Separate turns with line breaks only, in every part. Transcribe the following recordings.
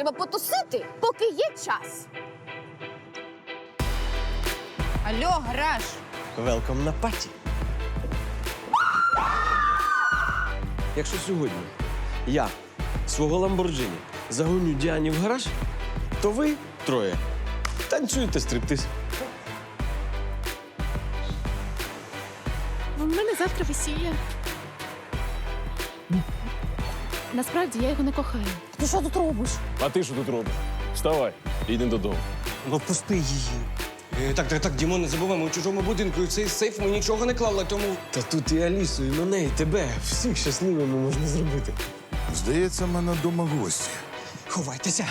треба потусити, поки є час.
Алло, гараж!
Велком на паті. Якщо сьогодні я свого Ламборджині загоню Діані в гараж, то ви троє танцюєте стриптиз.
У мене завтра весілля. Насправді я його не кохаю. Ти що тут робиш?
А ти що тут робиш? Вставай, йди додому.
Ну, пусти її.
Так, Дімон, не забувай, ми у чужому будинку, і в цей сейф ми нічого не клали, тому...
Та тут і Алісу, і мене, і тебе. Всіх щасливими можна зробити.
Здається, в мене вдома гості.
Ховайтеся.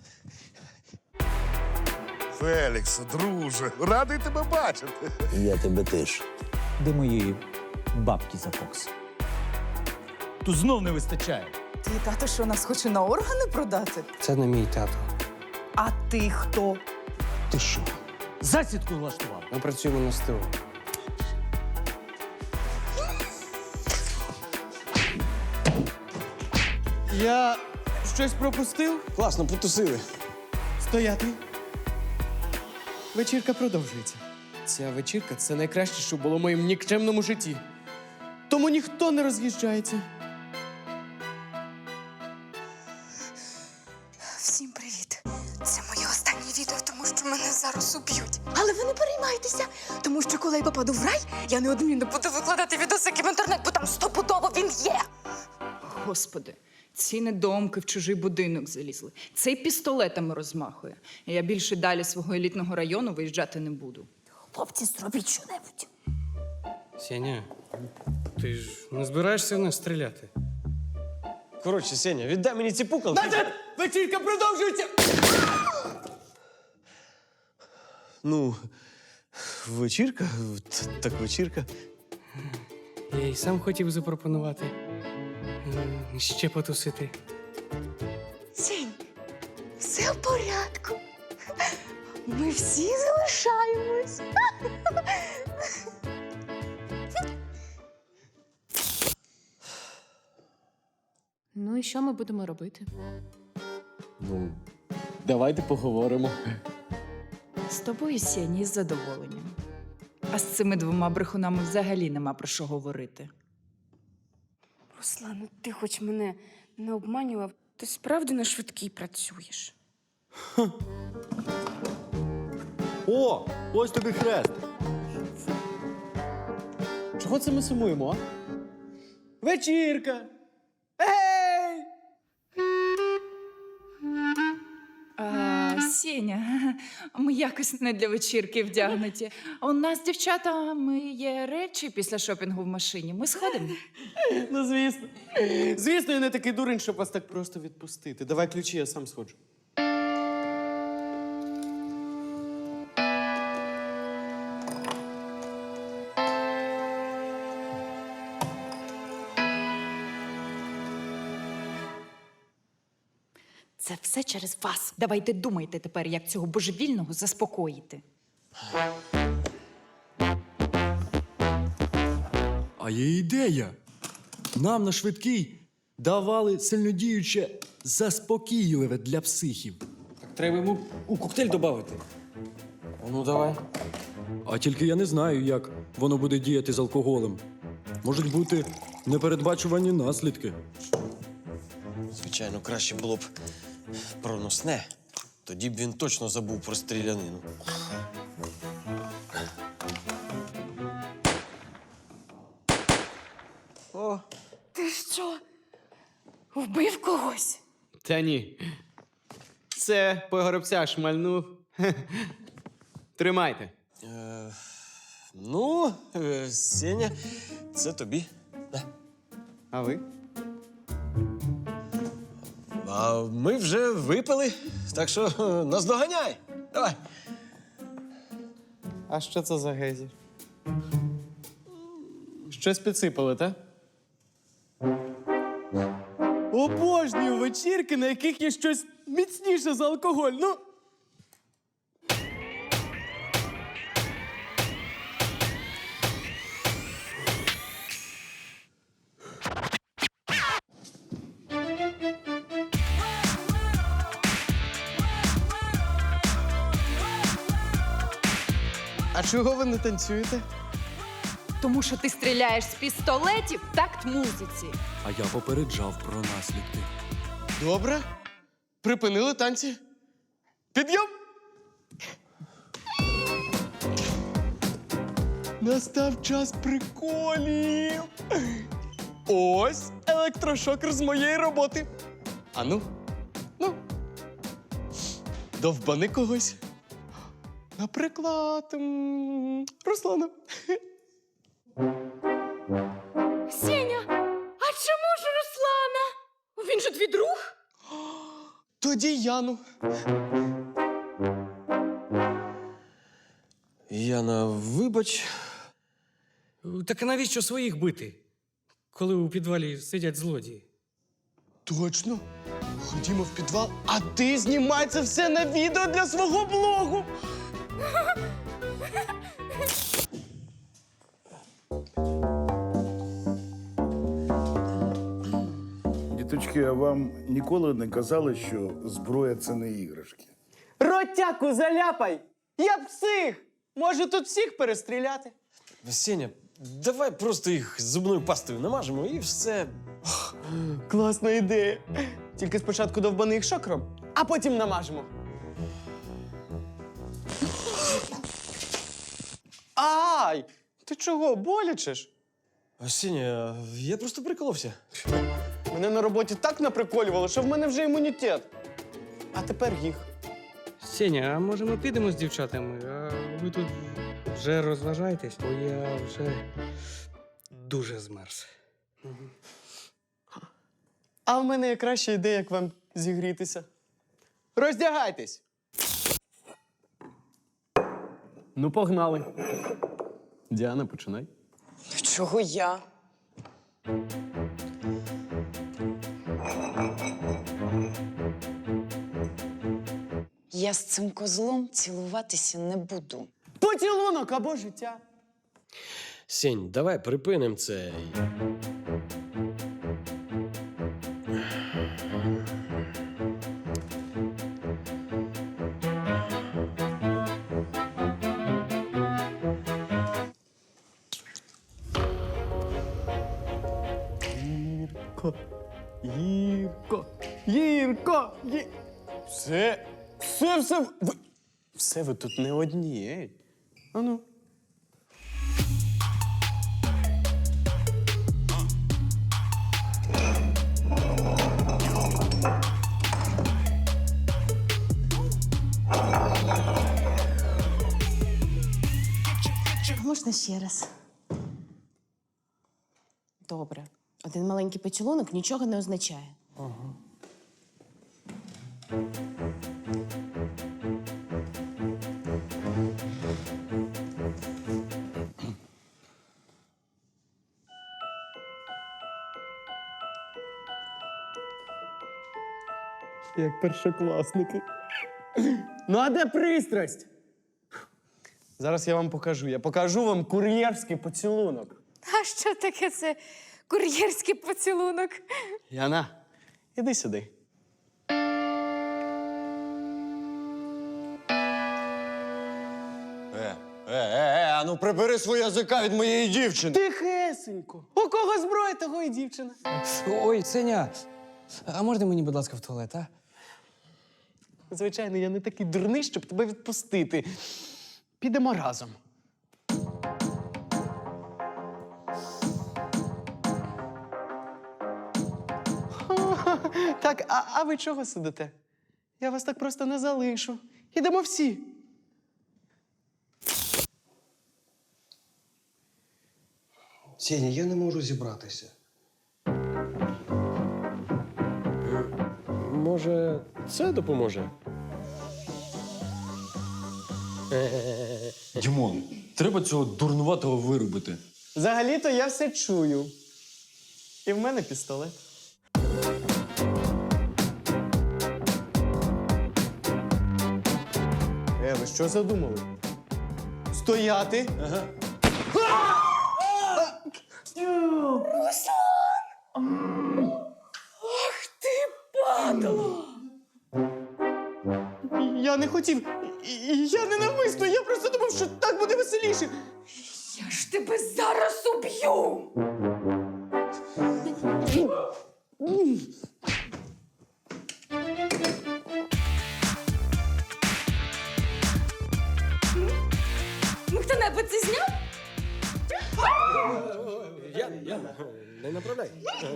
Фелікс, друже, радий тебе бачити.
Я тебе теж. Де мої бабки за Фокс? Тут знов не вистачає.
Твій тато що, нас хоче на органи продати?
Це не мій тато.
А ти хто?
Ти що? Засідку влаштував?
Ми працюємо на СТО.
Я щось пропустив?
Класно, потусили.
Стояти. Вечірка продовжується. Ця вечірка – це найкраще, що було в моєму нікчемному житті. Тому ніхто не роз'їжджається.
Всім привіт! Це моє останнє відео, тому що мене зараз уб'ють. Але ви не переймайтеся, тому що коли я попаду в рай, я неодмінно буду викладати відосики в інтернет, бо там стопудово він є.
Господи, ці недоумки в чужий будинок залізли. Цей пістолетами розмахує. Я більше далі свого елітного району виїжджати не буду.
Хлопці, зробіть що-небудь.
Сеня, ти ж не збираєшся в нас стріляти?
Коротше, Сеня, віддай мені ці пукалки.
Вечірка продовжується!
Ну, вечірка? Так вечірка.
Я й сам хотів запропонувати ще потусити.
Сінь, все в порядку. Ми всі залишаємось.
Ну і що ми будемо робити?
Ну, давайте поговоримо.
З тобою, Сені, із задоволенням. А з цими двома брехунами взагалі нема про що говорити.
Руслан, ну ти хоч мене не обманював, ти справді на швидкій працюєш.
О, ось тобі хрест.
Чого це ми сумуємо, а? Вечірка! Ей!
Сеня, ми якось не для вечірки вдягнуті. У нас, дівчата, ми є речі після шопінгу в машині. Ми сходимо.
Ну, звісно. Звісно, я не такий дурень, щоб вас так просто відпустити. Давай ключі, я сам сходжу.
Це все через вас. Давайте думайте тепер, як цього божевільного заспокоїти.
А є ідея. Нам на швидкий давали сильнодіюче заспокійливе для психів.
Так треба йому у коктейль додати.
Ну, давай.
А тільки я не знаю, як воно буде діяти з алкоголем. Можуть бути непередбачувані наслідки.
Звичайно, краще було б проносне. Тоді б він точно забув про стрілянину. О,
Ти що, вбив когось?
Та ні. Це по горобця шмальнув. Тримайте.
ну, Сеня, це тобі.
А ви?
А ми вже випили, так що наздоганяй. Давай.
А що це за гейзер? Щось підсипали, так? Обожнюю вечірки, на яких є щось міцніше за алкоголь. Ну, Чого ви не танцюєте?
Тому що ти стріляєш з пістолетів в такт музиці.
А я попереджав про наслідки.
Добре. Припинили танці. Підйом! Настав час приколів. Ось електрошокер з моєї роботи. Ану, ну, довбани когось. Наприклад, Руслана.
Сеня, а чому ж Руслана? Він же твій друг?
Тоді Яну.
Яна, вибач.
Так а навіщо своїх бити, коли у підвалі сидять злодії?
Точно. Ходімо в підвал, а ти знімай це все на відео для свого блогу.
Діточки, а вам ніколи не казали, що зброя це не іграшки?
Ротяку заляпай! Я псих! Може тут всіх перестріляти?
Сеня, давай просто їх зубною пастою намажемо і все.
Класна ідея. Тільки спочатку довбани їх шокером, а потім намажемо. Ай! Ти чого, боляче ж?
Сеня, я просто приколовся.
Мене на роботі так наприколювало, що в мене вже імунітет. А тепер їх.
Сеня, а може ми підемо з дівчатами? А ви тут вже розважаєтесь, бо я вже дуже змерз.
А в мене є краща ідея, як вам зігрітися. Роздягайтесь! Ну, погнали. Діана, починай.
Чого я? Я з цим козлом цілуватися не буду.
Поцілунок або життя.
Сень, давай припинимо це.
Гірко, гірко, гірко, гі... Все, все ви тут не одні, ей. Ану.
Можна ще раз? Добре. Один маленький поцілунок нічого не означає.
Як першокласники. Ну, а де пристрасть? Зараз я вам покажу. Я покажу вам кур'єрський поцілунок.
А що таке це кур'єрський поцілунок?
Яна, іди сюди.
А ну прибери свого язика від моєї дівчини.
Тихесенько. У кого зброя, того і дівчина.
Ой, Сеня, а можна мені, будь ласка, в туалет, а?
Звичайно, я не такий дурний, щоб тебе відпустити. Підемо разом. Так, а ви чого сидите? Я вас так просто не залишу. Ідемо всі.
Сеня, я не можу зібратися.
Може, це допоможе?
Дімон, треба цього дурнуватого виробити.
Взагалі-то я все чую. І в мене пістолет. Ви що задумали? Стояти! Ага. Я не хотів. І я не навмисно, я просто думав, що так буде веселіше.
Я ж тебе зараз уб'ю! Ну, хто-небудь це зняв?
Я не направляй.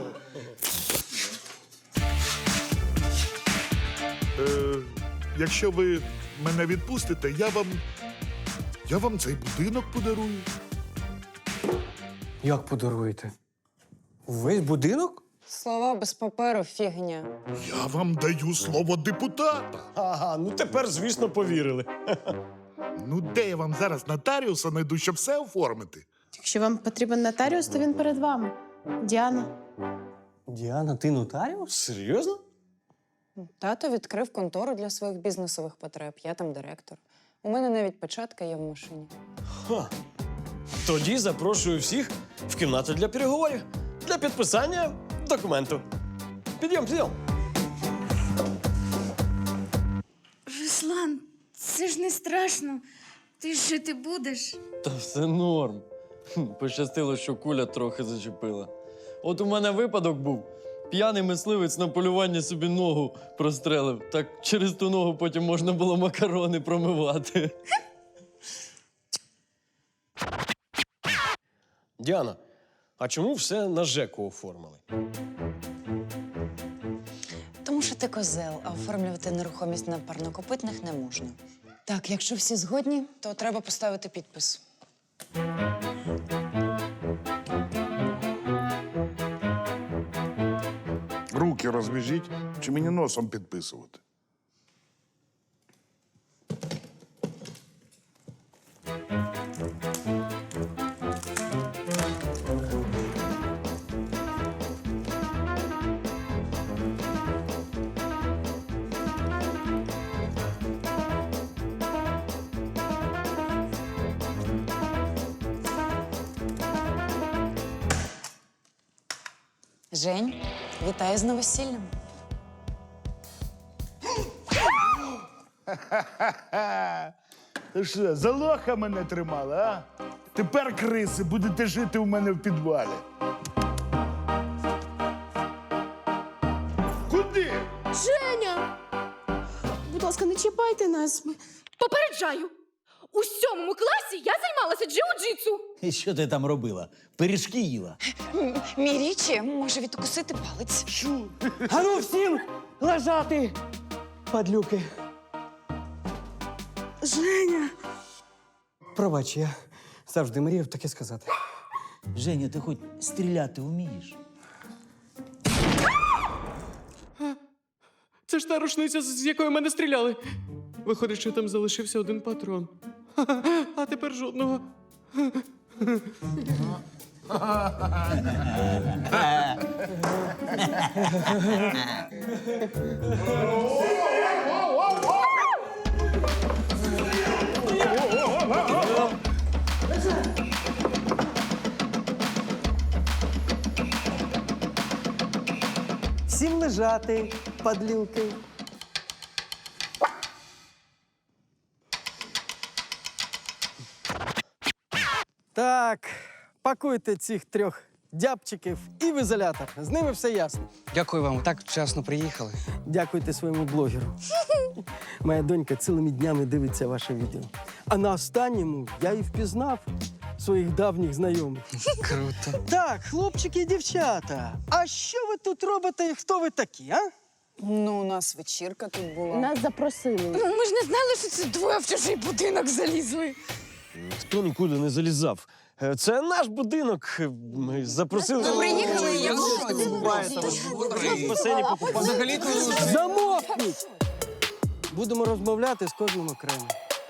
Якщо ви мене відпустите, я вам цей будинок подарую.
Як подаруєте? Увесь будинок?
Слова без паперу фігня.
Я вам даю слово депутата.
Ага, ну тепер, звісно, повірили.
Ну, де я вам зараз нотаріуса знайду, щоб все оформити?
Якщо вам потрібен нотаріус, то він перед вами. Діана.
Діана, ти нотаріус?
Серйозно?
Тато відкрив контору для своїх бізнесових потреб. Я там директор. У мене навіть печатка є в машині.
Ха. Тоді запрошую всіх в кімнату для переговорів. Для підписання документу. Підйом.
Руслан, це ж не страшно. Ти ж жити будеш.
Та все норм. Пощастило, що куля трохи зачепила. От у мене випадок був. П'яний мисливець на полюванні собі ногу прострелив. Так через ту ногу потім можна було макарони промивати.
Діана, а чому все на ЖЕКу оформили?
Тому що ти козел, а оформлювати нерухомість на парнокопитних не можна. Так, якщо всі згодні, то треба поставити підпис.
Руки розв'яжіть, чи мені носом підписувати?
Жень, вітаю з новосіллям.
Ти що, за лоха мене тримали, а? Тепер, криси, будете жити у мене в підвалі. Куди?
Женя! Будь ласка, не чіпайте нас.
Попереджаю! У 7 класі я займалася джиу-джитсу.
І що ти там робила? Пиріжки їла?
Мій річі може відкусити палець.
А ну всім лежати, падлюки.
Женя!
Пробач, я завжди мріяв таке сказати.
Женя, ти хоч стріляти вмієш?
Це ж та рушниця, з якої мене стріляли. Виходить, що там залишився один патрон. А тепер жодного.
Всім лежати, падлюки. Так, пакуйте цих 3 дябчиків і в ізолятор. З ними все ясно.
Дякую вам, так вчасно приїхали.
Дякуйте своєму блогеру. Моя донька цілими днями дивиться ваше відео. А на останньому я і впізнав своїх давніх знайомих.
Круто.
Так, хлопчики і дівчата, а що ви тут робите і хто ви такі, а?
Ну, у нас вечірка тут була.
Нас запросили.
Ну, ми ж не знали, що це двоє в чужий будинок залізли.
Ніхто нікуди не залізав. Це наш будинок. Ми запросили.
Приїхали, і я
В басейні покупати.
Взагалі-то
Замовкніть! Будемо розмовляти з кожним окремо.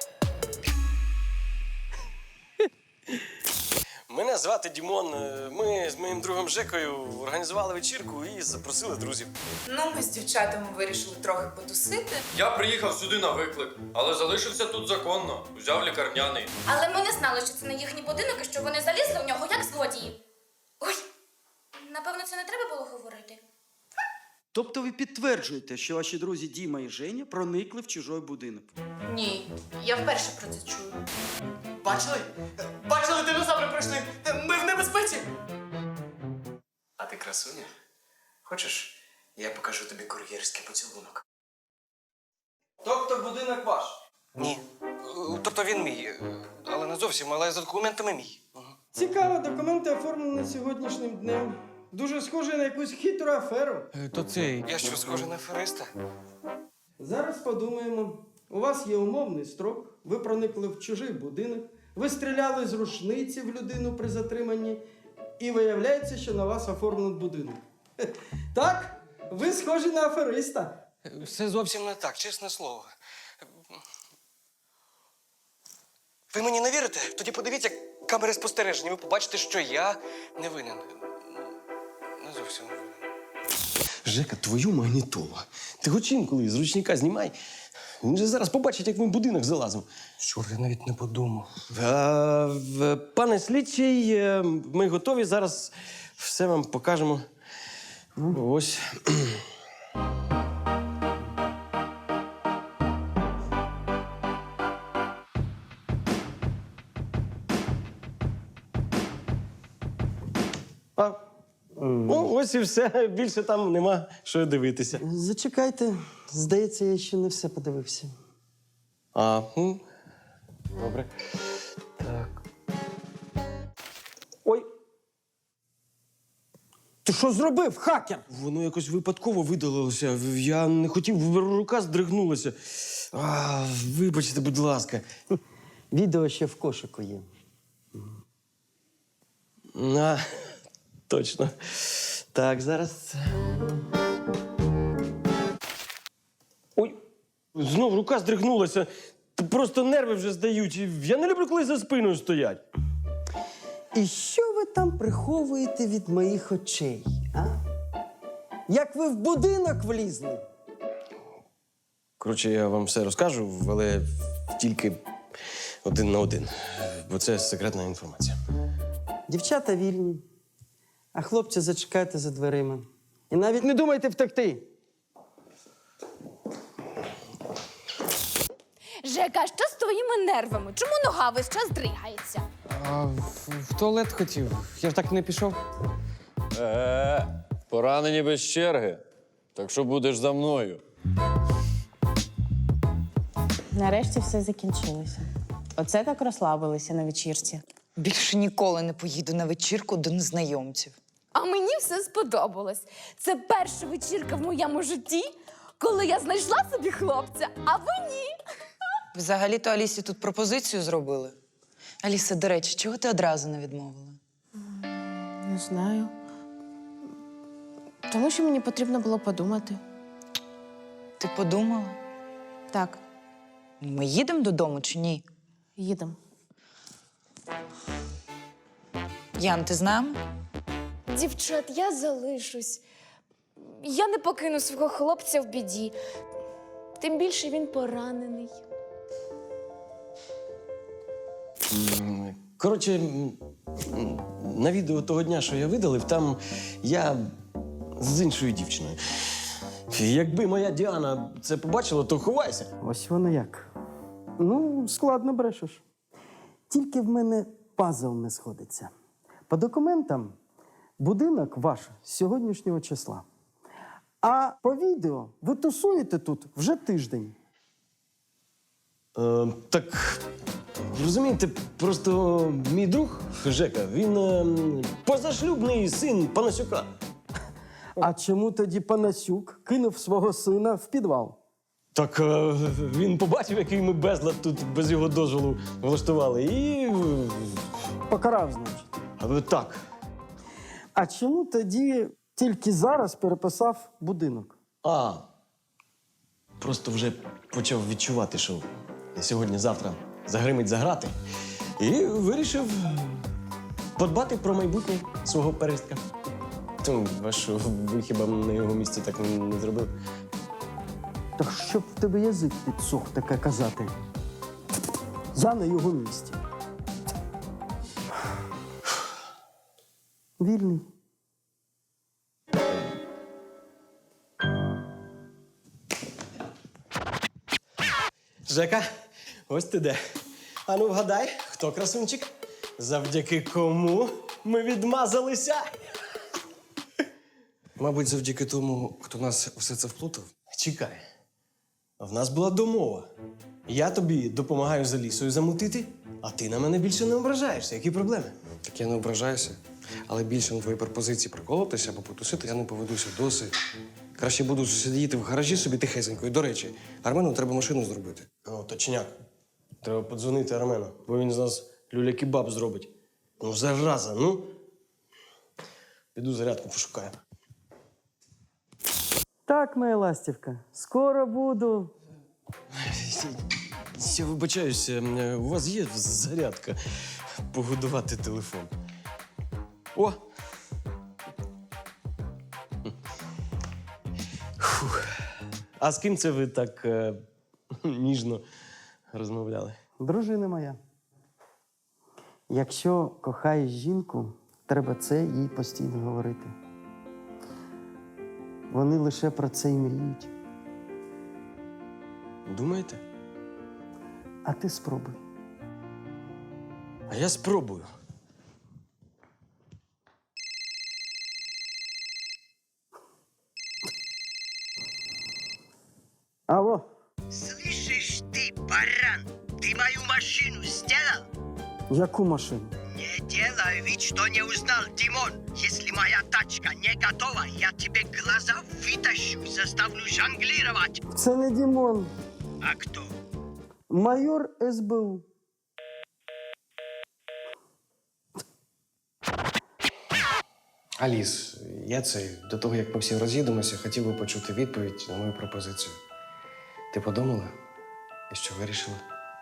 Мене звати Дімон. Ми з моїм другом Жекою організували вечірку і запросили друзів.
Ну, ми з дівчатами вирішили трохи потусити.
Я приїхав сюди на виклик, але залишився тут законно. Взяв лікарняний.
Але ми не знали, що це не їхній будинок і що вони залізли в нього як злодії. Ой, напевно, це не треба було говорити.
Тобто ви підтверджуєте, що ваші друзі Діма і Женя проникли в чужий будинок?
Ні, я вперше про це чую.
Бачили? Бачили, динозаври прийшли! Ми в небезпеці!
А ти красуня? Хочеш, я покажу тобі кур'єрський поцілунок?
Тобто будинок ваш?
Ні. Тобто він мій, але не зовсім, але за документами мій.
Цікаво, документи оформлені сьогоднішнім днем. Дуже схоже на якусь хитру аферу.
То цей.
Я що, схожий на афериста?
Зараз подумаємо. У вас є умовний строк, ви проникли в чужий будинок, ви стріляли з рушниці в людину при затриманні, і виявляється, що на вас оформлений будинок. Так, ви схожі на афериста.
Все зовсім не так, чесне слово. Ви мені не вірите? Тоді подивіться камери спостереження, ви побачите, що я не винен. Не зовсім не винен.
Жека, твою магнітолу. Ти хоч інколи з ручника знімай. Він же зараз побачить, як ми в будинок залазимо.
Чорт, я навіть не подумав.
Пане слідчий, ми готові. Зараз все вам покажемо. Ось. Ось і все. Більше там нема що дивитися.
Зачекайте, здається, я ще не все подивився.
Добре.
Ой. Ти що зробив, хакер?
Воно якось випадково видалилося. Я не хотів, рука здригнулася. Вибачте, будь ласка.
Відео ще в кошику є.
Точно. Так, зараз. Ой, знов рука здригнулася. Просто нерви вже здають. Я не люблю, коли за спиною стоять.
І що ви там приховуєте від моїх очей, а? Як ви в будинок влізли?
Коротше, я вам все розкажу, але тільки 1 на 1. Бо це секретна інформація.
Дівчата вільні, а хлопці зачекайте за дверима. І навіть не думайте втекти.
Жека, що з твоїми нервами? Чому нога весь час дригається?
В туалет хотів. Я ж так не пішов.
Поранені без черги. Так що будеш за мною.
Нарешті все закінчилося. Оце так розслабилися на вечірці.
Більше ніколи не поїду на вечірку до незнайомців.
А мені все сподобалось. Це перша вечірка в моєму житті, коли я знайшла собі хлопця, а ви ні.
Взагалі-то Алісі тут пропозицію зробили. Аліса, до речі, чого ти одразу не відмовила?
Не знаю. Тому що мені потрібно було подумати.
Ти подумала?
Так,
Ми їдемо додому чи ні?
їдемо.
Ян, ти з нами?
Дівчат, я залишусь. Я не покину свого хлопця в біді. Тим більше він поранений.
Коротше, на відео того дня, що я видалив, там я з іншою дівчиною. Якби моя Діана це побачила, то ховайся.
Ось воно як. Ну, складно брешеш. Тільки в мене пазл не сходиться. По документам будинок ваш з сьогоднішнього числа. А по відео ви тусуєте тут вже тиждень.
Так, розумієте, просто мій друг Жека, він позашлюбний син Панасюка.
А чому тоді Панасюк кинув свого сина в підвал?
Так він побачив, який ми безлад тут без його дозволу влаштували, і
Покарав, значить.
так.
А чому тоді тільки зараз переписав будинок?
Просто вже почав відчувати, що сьогодні-завтра загримить за грати. І вирішив подбати про майбутнє свого перестка. Ви що, ви хіба на його місці так не зробили?
Так щоб в тебе язик підсох таке казати. Я на його місці. Вільний.
Жека, ось ти де. Ану, вгадай, хто красунчик? Завдяки кому ми відмазалися?
Мабуть, завдяки тому, хто нас все це вплутав.
Чекай. В нас була домова. Я тобі допомагаю за лісою замутити, а ти на мене більше не ображаєшся. Які проблеми?
Так я не ображаюся. Але більше на твої пропозиції приколотися або потусити я не поведуся досить. Краще буду сидіти в гаражі собі тихесенько. І, до речі, Армену треба машину зробити.
О, точняк. Треба подзвонити Армену, бо він з нас люля-кебаб зробить. Ну, зараза, ну. Піду зарядку пошукаю.
Так, моя ластівка, скоро буду.
Я вибачаюся, у вас є зарядка погодувати телефон. О! Фух. А з ким це ви так ніжно розмовляли?
Дружина моя. Якщо кохаєш жінку, треба це їй постійно говорити. Вони лише про це й мріють.
Думаєте?
А ти спробуй.
А я спробую.
Алло.
Слышишь ты, баран, ты мою машину сделал?
Яку машину?
Не делай вид, что не узнал, Димон. Если моя тачка не готова, я тебе глаза вытащу, заставлю жонглировать.
Це не Дімон.
А кто?
Майор СБУ.
Аліс, я до того, як ми всі роз'їдемося, хотів би почути відповідь на мою пропозицію. Ти подумала? І що вирішила?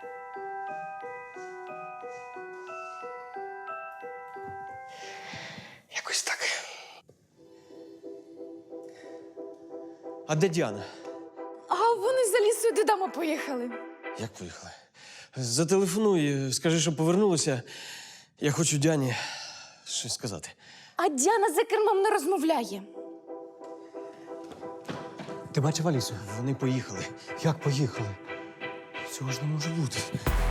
Якось так.
А де Діана?
А вони за лісою додому поїхали.
Як поїхали? Зателефонуй, скажи, що повернулася. Я хочу Діані щось сказати.
А Діана за кермом не розмовляє.
Ти бачив Алісу?
Вони поїхали.
Як поїхали?
Цього ж не може бути.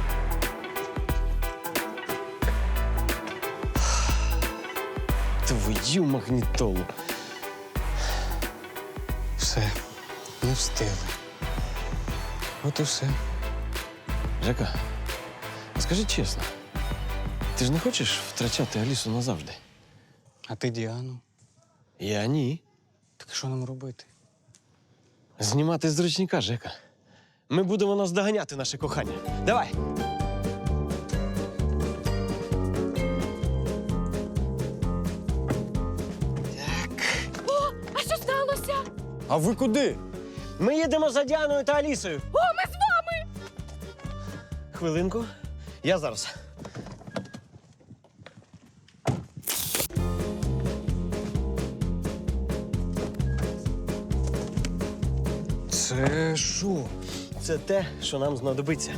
Твою магнітолу.
Все, не встигли. От і все.
Жека, скажи чесно, ти ж не хочеш втрачати Алісу назавжди?
А ти Діану?
Я ні.
Так що нам робити?
Знімати з ручника, Жека. Ми будемо наздоганяти наше кохання. Давай!
А що сталося?
А ви куди? Ми їдемо за Діаною та Алісою.
О, ми з вами!
Хвилинку. Я зараз.
Це що?
Це те, що нам знадобиться.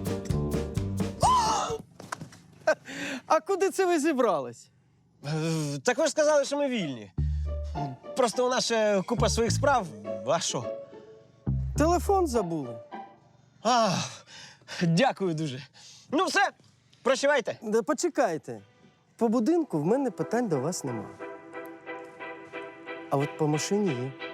А куди це ви зібрались?
Так ви ж сказали, що ми вільні. Просто у нас ще купа своїх справ. А що?
Телефон забули.
А, дякую дуже. Ну все, прощавайте.
Да почекайте. По будинку в мене питань до вас нема. А от по машині є.